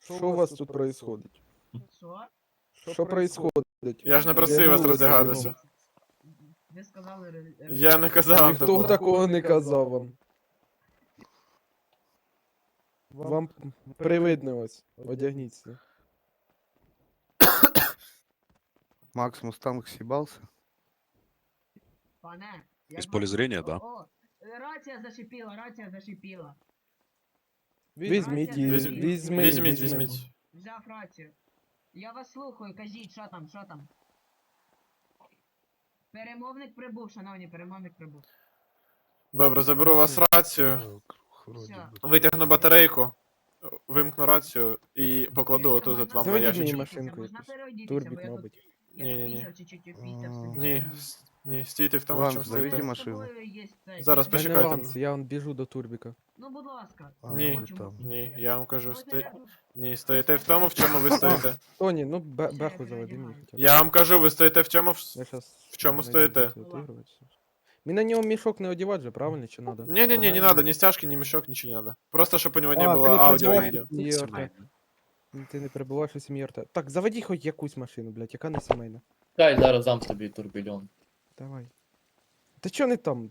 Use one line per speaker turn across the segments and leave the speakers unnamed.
Що у вас тут происходить?
Що?
Що происходить?
Я ж не просив вас
Вдягнулися
роздягатися.
бігом.
Ви сказали...
Я не казав вам
Ніхто
такого.
такого не казав вам. Вам привиднилось. Одягніться.
Макс Мустанг съебался?
Пане,
Из
як
поля
вас-
зрения, да?
О, рація зашипіла, рація зашипіла.
Візьміть її,
Візьміть,
візьміть.
візьміть.
Взяв рацію. Я вас слухаю, кажіть, що там, що там? Перемовник прибув, шановні, перемовник прибув.
Добре, заберу у вас рацію,
Все.
витягну батарейку, вимкну рацію і покладу
Якщо
отут от
можна
вам на
Заведіть мені
ящичок.
машинку
Можна
якусь.
переодітися, бо
Турбік,
я тут
мабуть.
як
Ні-ні-ні.
пісяв чуть-чуть опісяв
А.
собі.
Ні, ні, стійте в тому,
Ладно,
чому
заведіть
стоїте.
машину.
Зараз
Та не
почекайте.
ланц, я он біжу до турбіка.
Ну, будь ласка.
Ні.
ну там.
Ні, я вам кажу,
Ось я-
ні, стоїте в тому, в чому ви стоїте.
Тоні, ну беху заведи мені хоча б.
Я вам кажу, ви стоїте в цьому.
Я щас
В чому
знайду,
стоїте?
де це отігруватися. Мені на нього мішок не одівати же, правильно, чи надо?
Не-не-не, не
Нормально?
надо, ни стяжки, ни мешок, ничего не надо. Просто, чтобы у него не
А,
было
ты не
аудио и
прибываешь
видео.
в семье РТ. Ти не перебуваєш у сім'ї РТ. Так, заводи хоч якусь машину, блядь, яка не сімейна.
Дай зараз дам тобі турбільон.
Давай. Ти чо не там?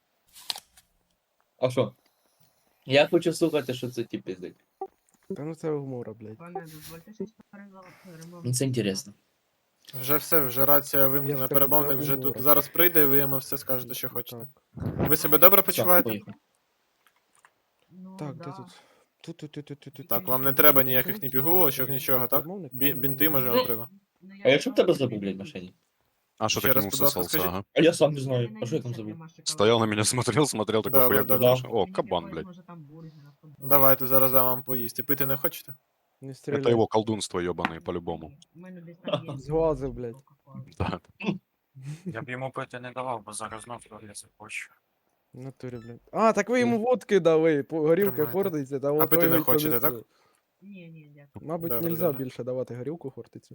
А що? Я хочу слухати, що це ті пиздить.
Та ну це гумора, блядь.
Пане, дозвольте щось перемовити.
Ну це інтересно.
Вже все, вже рація
Я ж
вимкнена,
кажу,
перемовник
це
вже
гумор.
тут зараз прийде, і ви йому все скажете, що хочете.
Так,
Ви себе добре
Все,
почуваєте?
поїхали.
Ну,
так
да.
де тут? Тут.
Так, вам не треба ніяких ні пігулочок, нічого, так? Бінти, може, вам треба.
Ну, я
А якщо в тебе
сказала,
забув, блядь, в машині?
А что
Ще
ты к
раз,
нему
будь ласка,
всосался,
скажіть.
ага?
А я сам не
я
знаю.
не
А що я там
наївся,
забув?
нема шоколаду.
Стоял на меня, смотрел, такой
Да,
хуяк,
да,
блядь,
да.
о,
Мені
кабан,
якогось,
блядь.
може, там бургера, футбол.
Давайте зараз дам вам поїсти. Пити не хочете?
Не
Это
стріляй.
его колдунство ебаное, по-любому.
У мене десь там є.
Зглазив, блядь.
Кока-кола.
Да.
Я б йому пити не давав, бо зараз знов я захочу.
В натурі, блядь. А, так ви йому водки дали, горілка
Тримайте.
хортиця, та
А
от
пити
той
не
й
хочете,
понесу.
так?
Ні, ні, дякую.
Мабуть,
Добре,
нельзя
добре.
більше давати горілку хортицю.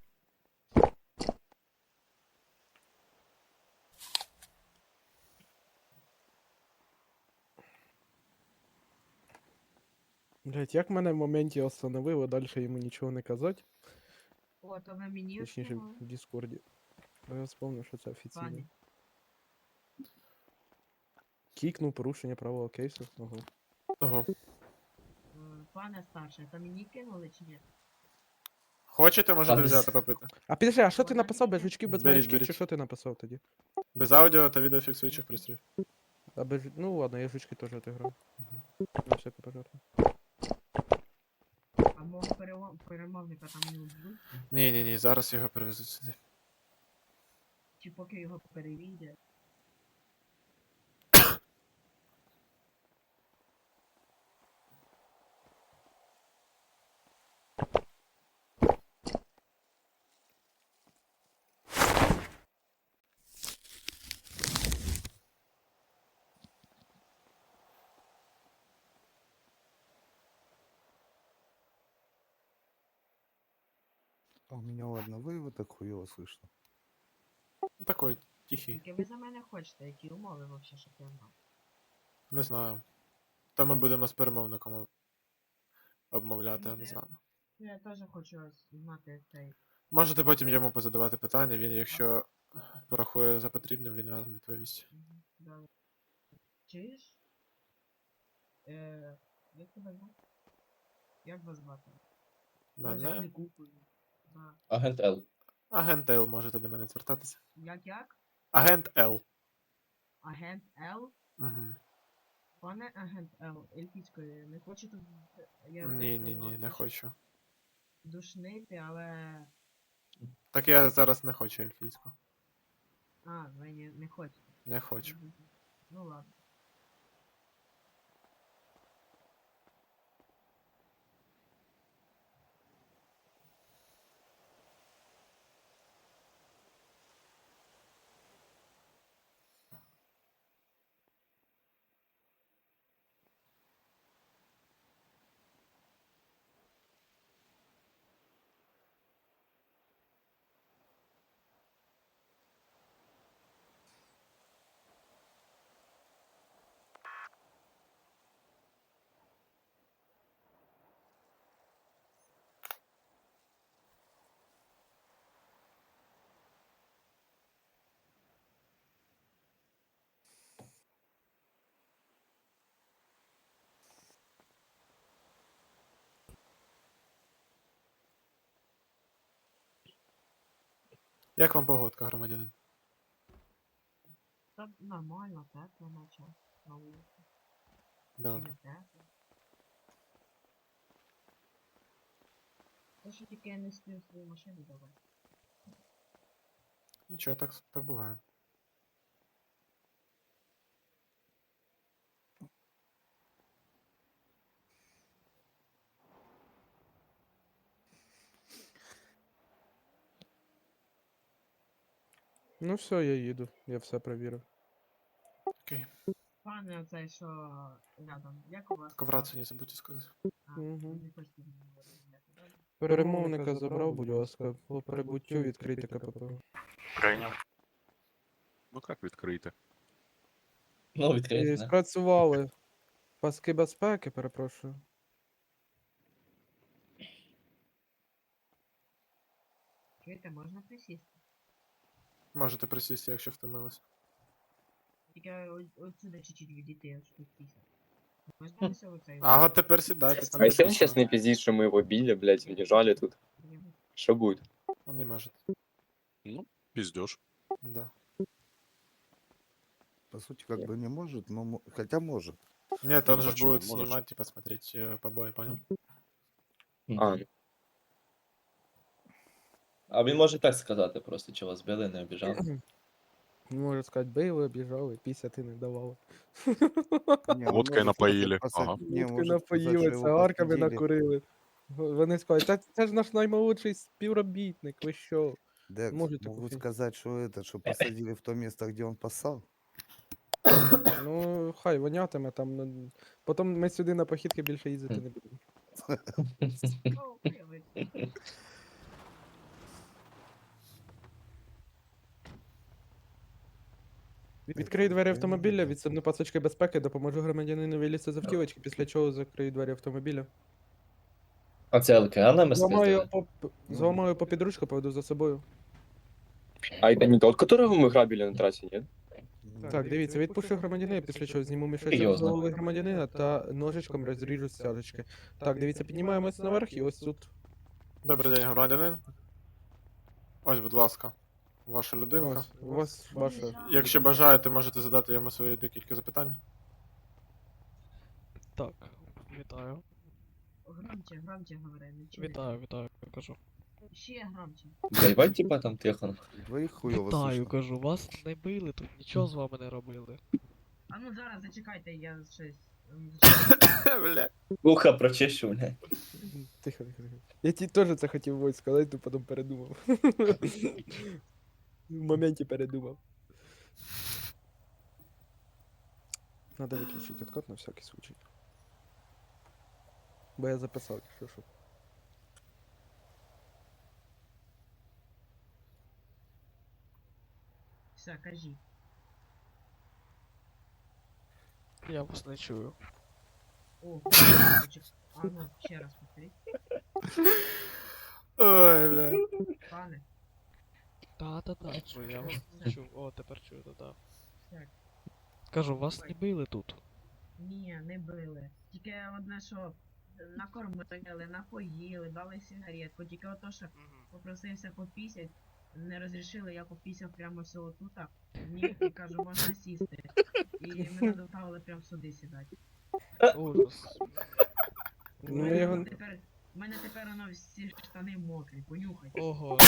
Блять, як мене в моменті остановило, далі йому нічого не казати.
О, то ви мені
Точніше,
сказали?
в Діскорді. Бо я вспомнив, що це офіційно.
Пані.
Кікнув порушення правого кейсу. Ого.
Ого.
Пане старший, то мені кинули чи ні?
Хочете, можете
Ладно.
взяти попити.
А підожди, а що ти написав? Без жучків, без
Беріть,
маячків,
беріть.
чи що ти написав тоді?
Без аудіо та відеофіксуючих пристроїв.
А без... Ну ладно, я жучки теж отиграв. На всяку пожарку.
А мого перемовника там не вб'ють?
Ні, зараз його привезуть сюди.
Чи поки його перевійде?
А у меня ладно, вы так хуево слышно.
Такой, тихий.
Тільки ви за мене хочете, які умови вообще, щоб я знав?
Не знаю. Та ми будемо з перемовником обмовляти, не знаю.
Я теж хочу знати цей.
Можете потім йому позадавати питання, він, якщо порахує за потрібним, він вам відповість.
Да. Чуєш? Як тебе звати? Як вас звати? Може,
Мене?
не купую. Да.
Агент Л.
Агент Л, можете до мене звертатися.
Як?
Агент Л.
Агент Л?
Угу.
Пане агент Л, ельфійською, не хочу тут... я
Ні,
сказав,
не хочу.
Душнити, але...
Так я зараз не хочу ельфійську.
А, ви не хочете.
Не хочу.
Мгм. Ну ладно.
Як вам погодка, громадянин?
Та нормально, тепло наче. На вулиці. Чи
Добре.
не тепло. Те, що тільки я не спів свою машину давай.
Нічого, так буває.
Ну все, я їду. Я все перевірив.
Окей.
Пане оцей, що рядом, як у вас?
Коврацію не забудьте сказати.
А,
Мгм.
не хочете зі мною розмовляти, добре?
Перемовника забрав, будь ласка, по прибуттю відкрити КПП.
Прийняв.
Ну як відкрити?
Ну,
І
відкрити, не?
спрацювали паски безпеки, перепрошую.
Чуєте, можна присісти?
Можете присісти, якщо втомились.
Тільки отсюда чуть-чуть відійти, аж тут 50. Можна ось оцей?
Ага, тепер сідайте. там
А если он
написано.
сейчас не пиздит, что мы его били, блядь, унижали тут? Что будет?
Он не может.
Ну, піздєш.
Да.
По сути, как бы не может, но хотя может.
Нет,
Ну,
он же ж
почему?
будет
Можешь.
снимать, типа, смотреть побои, понял?
А, ну,
А він може так сказати просто, чи вас били, не обіжав.
Можу сказати, били, обіжали, 50 не давали.
Не, он
Водкой
может
напоили,
сказать,
ага.
не,
Водки
может сказать,
напоїли,
что его
цигарками
посадили.
накурили. Вони скажуть, це ж наш наймолодший співробітник, ви що?
Да,
Может, такой
могут
фильм.
сказать, что посадили в то место, где он поссал.
Ну, хай вонятиме там. Ну, потім ми сюди на похідки більше їздити не будемо.
Ну, виявиться.
Відкрию двері автомобіля, відсобну пасочки безпеки, допоможу громадянину вилізти з автівочки, після чого закрию двері автомобіля.
А це ЛКА нам
Зламаю
спиздили?
зламаю по підручку, поведу за собою.
а это не тот, которого мы грабили на трассе, нет?
Так, дивіться, відпущу громадянина, після чого зніму мішечок з
Серйозно?
голови громадянина та ножичком розріжу стяжечки. Так, дивіться, піднімаємось наверх і ось тут.
Добрий день, громадянин. Ось, будь ласка, ваша людинка.
Ось, у вас ваша.
Якщо бажаєте, можете задати йому свої декілька запитань.
Так, вітаю.
Громче говори, не чую.
Вітаю, кажу.
Ще громче.
Блядь, типа там тихо.
Двоих хуёво
Вітаю,
слышно.
кажу, вас не били тут, нічого з вами не робили.
А ну зараз зачекайте, я щось.
Бля.
Ухо прочищу, блядь.
Тихо, тихо, тихо. Я ті теж це хотів ось сказати, то потім передумав. В моменті передумав. Надо виключити откат на всякий случай. Бо я записав, що.
Все, кажіть.
Я вас не чую.
О, а ну, ще раз повторіть.
Ой, бля.
Пане,
Та, чую, я вас не чую. О, тепер чую, та.
так.
Кажу, вас не били тут.
Ні, не били. Тільки одне, що накормили, напоїли, дали сигаретку. Тільки ото, що попросився попісять, не розрішили, я попісяв прямо все отута. Ні, і кажу, можна сісти. І мене доставили прямо сюди сідати.
Ужас.
Ну, я його...
У мене тепер воно всі штани мокрі, понюхай.
Ого.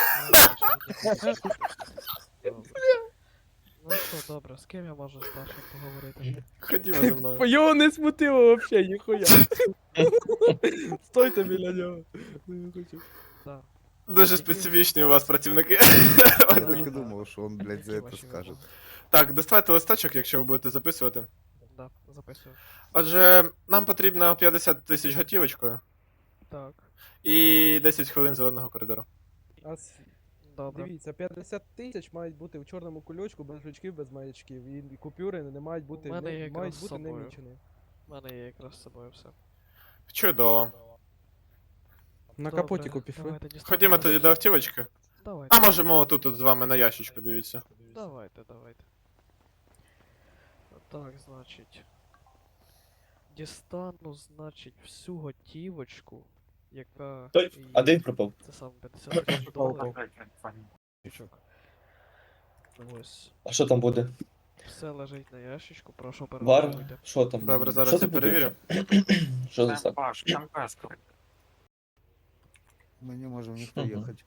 Ну що, добре, з ким я можу старшим поговорити?
Ходімо зі мною.
Його не смутило вообще, ніхуя. Стойте біля нього. Не хочу.
Так.
Дуже специфічні у вас працівники.
Я так и думал, что он, блядь, за
Які
это
ваші
скажет.
вимоги?
Так, доставайте листочок, якщо ви будете записувати.
Да, записую.
Отже, нам потрібно 50 тисяч готівочкою
Так.
і 10 хвилин зеленого коридору.
Добре.
Дивіться, 50 тисяч мають бути в чорному кульочку, без жучків, без маячків. І купюри не мають бути,
У мене є
не,
якраз
мають
з
бути не
собою.
мічені.
У мене є якраз з собою все.
Чудово.
На
Добре,
капотіку пішли.
давайте дістанемо
Ходімо тоді
речі.
до автівочки.
Давайте.
А можемо тут от з вами на ящичку, дивіться.
Давайте. Так, значить. Дістану, значить, всю готівочку, яка.
Той,
є-
один пропав.
Це саме 50 тисяч доларів. ящичок. Ось.
А що там буде?
Все лежить на ящичку, прошу
Вар?
перерахуйте.
Що там?
Добре, зараз
Що
я
ти буде
перевірю.
взагалі? Що за
Там
так?
ваш, там песка.
Мы не можем никто
Мгм.
ехать.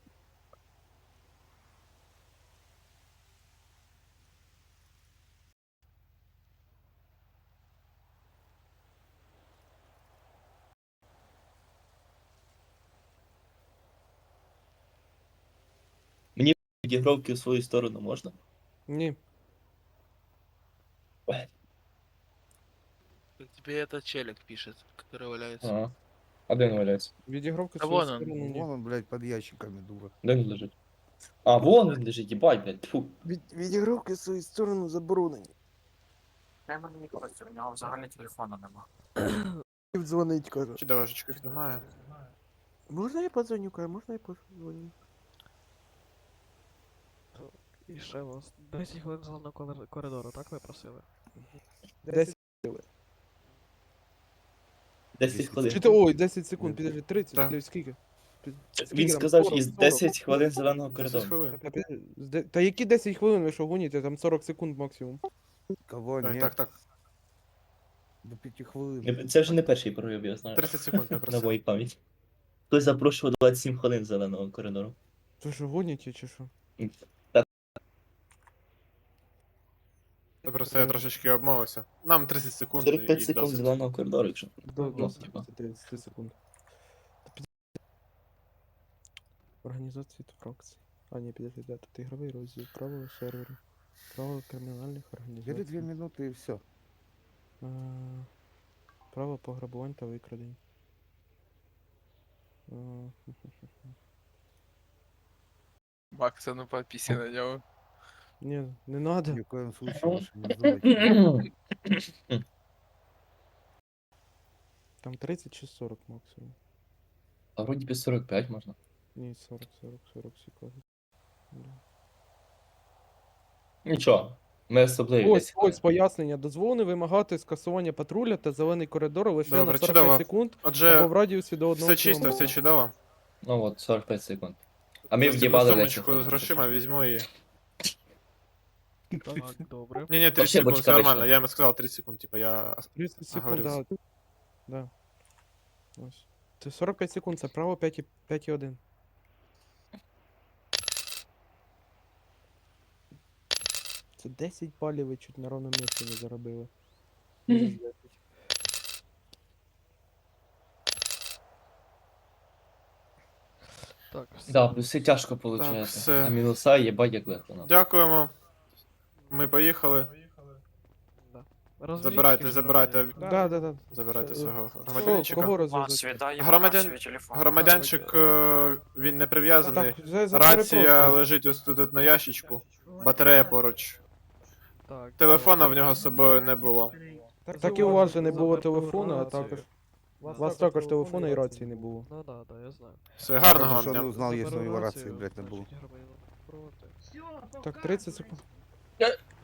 Відігровки в свою сторону можна?
Ні.
Тебе этот челик пишет, который валяется.
Ага. А де він валяється?
Відігровки
Та
свою
вон он.
сторону ні.
Вон он, блядь, под ящиками, дура.
Де він лежить? А, вон він лежить, їбать, блядь. Тьфу.
Відігровки свою сторону заборонені.
Треба мені хочеться, у нього взагалі телефону нема.
Дзвонить, каже.
Чи дорожечки немає?
Можна я подзвоню, каже, можна я подзвоню?
І ще у вас 10 хвилин зеленого коридору, так ви просили?
10.
10 хвилин.
Чи ти, ой, 10 секунд, підожди, 30,
Так.
ти скільки? Скільки
Він
там?
сказав,
40,
із
40.
10 хвилин зеленого
10
коридору.
хвилин.
Та які 10 хвилин ви що гоніте? Там 40 секунд максимум.
Кого
Так,
нет?
так, так.
До 5 хвилин.
Це вже не перший пройоб, я знаю.
30 секунд я
На
просив.
моїй пам'яті. Хтось запрошував 27 хвилин зеленого коридору.
Ви що гоніте чи що?
Та просто я трошечки обмовився. Нам 30 секунд
45
і
секунд
досить.
зеленого коридору, якщо.
До
Ну, типа.
30 секунд. Організації та фракцій. А, ні, підожди, да, тут ігровий розділ, правила серверу, правила кримінальних
Бери 2
організацій,
минуты и все.
право пограбувань та викрадень.
Макс, а ну подписи на него.
Ні, не надо.
Ни в коем случае лучше не называть.
Там 30 чи 40 максимум.
А вроді без 45 можна.
Ні, 40 секунд.
Нічого. Ми особливі.
Ось,
10 хвилин.
ось пояснення. Дозволене вимагати скасування патруля та зелений коридор лише
Добре,
на 45
чудово.
секунд або
Отже,
в радіусі до 1
все чисто,
кілометра.
все чудово.
Ну от, 45 секунд. А ми
Ось цю
в'їбали 10
сумочку
хвилин.
з грошима візьму і...
Так, добре.
Ні-ні, 30
Вообще
секунд,
бочка
все нормально.
вийшла.
Я йому сказав 30 секунд, типа я...
30 секунд,
Оговорився.
да. Да. Ось. Це 45 секунд, це право 5,1. Це 10 балів ви чуть на ровному місці не заробили. Мінус 10.
Так, все.
Да, плюси тяжко виходить.
все.
А мінуса їбать як легко. нам.
Дякуємо. Ми поїхали.
Да. Розв'яжіть
Забирайте,
скільки
забирайте,
Да.
забирайте
Це-
свого
Кого
громадянчика.
Вас
розв'язати?
віддає
Громадян-
свій телефон.
Громадянчик, він не прив'язаний.
Так, вже
Рація
перепрошую.
лежить ось тут на ящичку. Батарея поруч.
Так,
Телефона в
добре.
нього з собою не було.
Так і у вас же не було
Забрати
телефону, а
рацію.
також. У вас також телефону і рації не було.
Ну да, я знаю.
Все, гарного вам
Что
дня.
он узнал, если у
Заберу
него рации,
рацію,
блядь, не было.
значить, громадянин проти.
Все,
Так, 30 секунд.